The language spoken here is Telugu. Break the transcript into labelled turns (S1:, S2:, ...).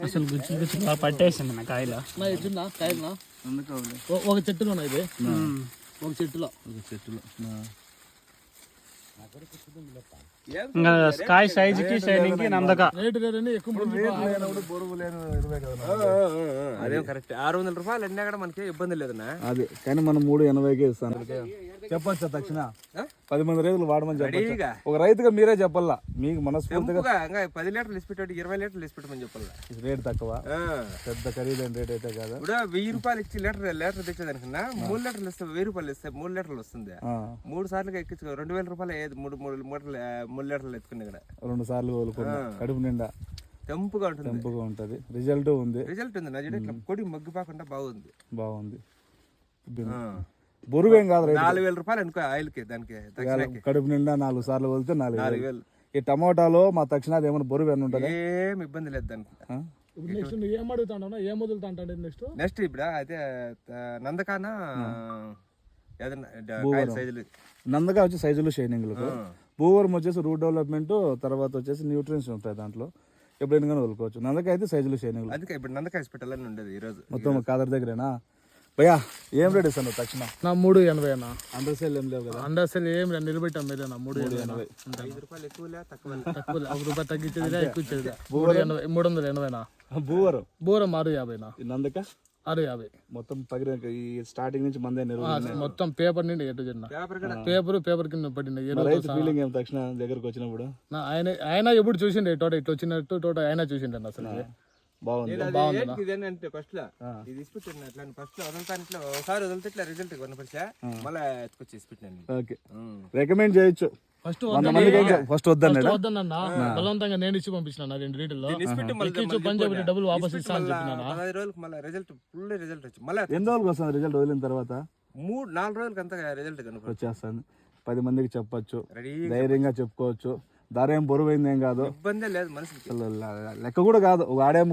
S1: అసలు గుచ్చి గుచ్చి బాగా పట్టేసింది నా కాయలు.
S2: కాయలు ఒక చెట్టులో ఇది ఒక చెట్టులో
S1: ఇంకా కాయ సైజుకి షైనింగ్ కి నందక
S2: రేటు లేదని ఎక్కువ
S3: అదేం కరెక్ట్. 600 రూపాయలు అన్నా కూడా మనకి ఇబ్బంది లేదన్నా.
S4: అది కానీ మనం 380కే ఇస్తాను. చెప్పచ్చు తక్షణ 10 మంది రైతులు వాడమని చెప్పచ్చు. ఒక రైతుగా మీరే చెప్పాలా, మీకు మనస్ఫూర్తిగా
S3: 10 లీటర్లు ఇసిపెట్టి 20 లీటర్లు ఇసిపెట్టమని చెప్పాలా.
S4: రేట్ తక్కువ, పెద్ద ఖరీదైన రేట్ అయితే కాదు.
S3: ఇప్పుడు 1000 రూపాయలు ఇచ్చి లీటర్ తెచ్చేదానికన్నా 3 లీటర్లు ఇస్తే 1000 రూపాయలు ఇస్తే 3 లీటర్లు వస్తుంది. 3 సార్లు ఎక్కించు 2000 రూపాయలు 3 లీటర్లు ఎత్తుకున్నా ఇక్కడ
S4: 2 సార్లు కోలుకున్నా కడుపు నిండా
S3: తెంపుగా
S4: ఉంటది. రిజల్ట్ ఉంది
S3: నా ఇట్లా కొడి మగ్గిపోకుండా బాగుంది.
S4: బరువేం కాదు.
S3: 4000 రూపాయలు అనుకో ఆయిల్ కి దానికి
S4: కడుపు నిండా 4 సార్లు వెళ్తే 4000. ఈ టమాటాలో మా తక్షణాది ఏమైనా బరువు ఏమైనా ఉంటుంది?
S3: ఏం ఇబ్బంది లేదు దానికి.
S2: నెక్స్ట్ నువ్వు ఏం అడుగుతావు, ఏం వదులుతా
S3: నెక్స్ట్ ఇప్పుడు అయితే నందకాన
S4: నందగా వచ్చి సైజులు షైనింగ్లకు, భూవరం వచ్చేసి రూట్ డెవలప్మెంట్, తర్వాత వచ్చేసి న్యూట్రియన్స్ ఉంటాయి దాంట్లో. ఎప్పుడైనా కానీ వదులుకోవచ్చు. నందకాయ అయితే సైజులు షైనింగ్లు.
S3: అందుకే ఇప్పుడు నందకాయ పెట్టాలని ఉండదు ఈ రోజు
S4: మొత్తం కాదర్ దగ్గరేనా భయ్యా? ఏం రేట్ ఇస్తాను తక్షణ?
S2: నా 380 అన్న.
S4: అండర్ సేల్ ఏం లేవు కదా?
S2: అండర్ సేల్ ఏం నిలబెట్టాం మీరే. 380
S3: రూపాయలు తక్కువ
S2: 1 రూపాయి తగ్గించేది ఎక్కువ ఇచ్చేది. 380
S4: భూవరం
S2: 650
S4: నందక
S2: 650
S4: మొత్తం పగిన ఈ స్టార్టింగ్ నుంచి మందే
S2: మొత్తం పేపర్ నుండి ఎటు చిన్న పేపర్ కింద పడింది.
S4: ఫీలింగ్ ఏం తక్షణ దగ్గరకు వచ్చినప్పుడు?
S2: ఆయన ఎప్పుడు చూసిండే తోట ఇట్లా వచ్చినట్టు తోట ఆయన చూసిండే అసలు.
S3: బాగుంది. ఫస్ట్ లో ఇది ఇసిపెట్టాను అట్లా ఫస్ట్ లో వదులుతాను, ఇట్లా ఒకసారి వదిలితే ఇట్లా రిజల్ట్ కొనపరిచా మళ్ళీ ఎత్తుకొచ్చి ఇసిపెట్టాను.
S4: ఓకే, రికమెండ్ చేయొచ్చు. ఫస్ట్
S2: వద్దన్న బలవంతంగా నేను ఇచ్చి పంపించిన 2 లీటర్లు పంజాబ్ డబ్బులు వాపస్ ఇస్తా అని చెప్పిన.
S3: 15 రోజులకు మళ్ళీ రిజల్ట్ ఫుల్ రిజల్ట్ వచ్చి మళ్ళీ
S4: ఎన్ని రోజులకు వస్తుంది రిజల్ట్? వదిలిన తర్వాత
S3: 3-4 రోజులకి అంతా రిజల్ట్
S4: వచ్చేస్తాను. 10 మందికి చెప్పొచ్చు, ధైర్యంగా చెప్పుకోవచ్చు. ధర ఏం బరువైంది ఏం కాదు,
S3: ఇబ్బందే లేదు మనిషికి.
S4: లెక్క కూడా కాదు. ఒక ఆడే